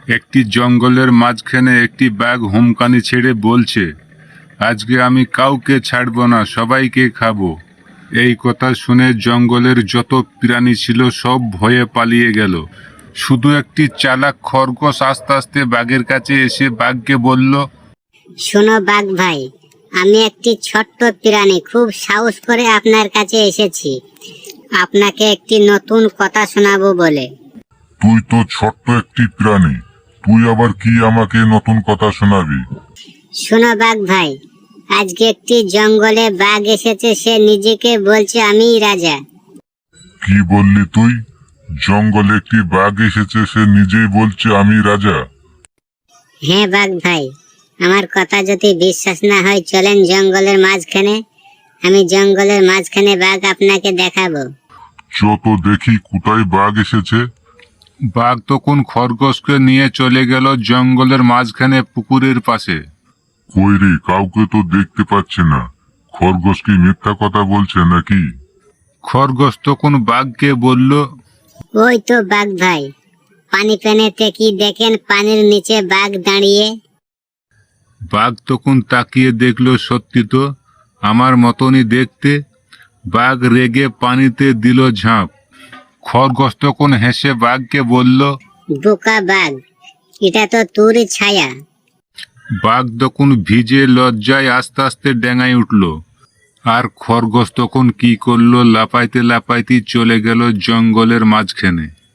একটি জঙ্গলের মাঝখানে একটি বাঘ হুমকানি ছেড়ে বলছে, আজকে আমি কাউকে ছাড়ব না, সবাইকে খাবো। এই কথা শুনে জঙ্গলের যত প্রাণী ছিল সব ভয়ে পালিয়ে গেল। শুধু একটি চালাক খরগোশ আস্তে আস্তে বাঘের কাছে এসে বাঘকে বলল, শোনো বাঘ ভাই, আমি একটি ছোট্ট প্রাণী, খুব সাহস করে আপনার কাছে এসেছি আপনাকে একটি নতুন কথা শোনাবো বলে। তুই তো ছোট্ট একটি প্রাণী, তুই আবার কি আমাকে নতুন কথা শোনাবি? শোনো বাঘ ভাই, আজকে একটি জঙ্গলে বাঘ এসেছে, সে নিজেকে বলছে আমিই রাজা। কি বললি তুই? জঙ্গলে একটি বাঘ এসেছে, সে নিজেই বলছে আমি রাজা? হ্যাঁ বাঘ ভাই, আমার কথা যদি বিশ্বাস না হয় চলেন জঙ্গলের মাঝখানে, আমি জঙ্গলের মাঝখানে বাঘ আপনাকে দেখাবো। যত দেখি কোথায় বাঘ এসেছে। বাঘ তখন খরগোশকে নিয়ে চলে গেল জঙ্গলের মাঝখানে পুকুরের পাশে। কই রে, কাউকে তো দেখতে পাচ্ছে না। খরগোশ কি মিথ্যা কথা বলছে নাকি? খরগোশ তখন বাঘকে বলল, ওই তো বাঘ ভাই, পানি পেনেতে কি দেখেন, পানির নিচে বাঘ দাঁড়িয়ে। বাঘ তখন তাকিয়ে দেখলো, সত্যি তো, আমার মতনই দেখতে। বাঘ রেগে পানিতে দিল ঝাঁপ। খরগোশ তখন হেসে বাঘকে বলল, বোকা বাঘ, এটা তো তোরই ছায়া। বাঘ তখন ভিজে লজ্জায় আস্তে আস্তে ডেঙায় উঠল। আর খরগোশ তখন কি করলো, লাফাইতে লাফাইতে চলে গেল জঙ্গলের মাঝখানে।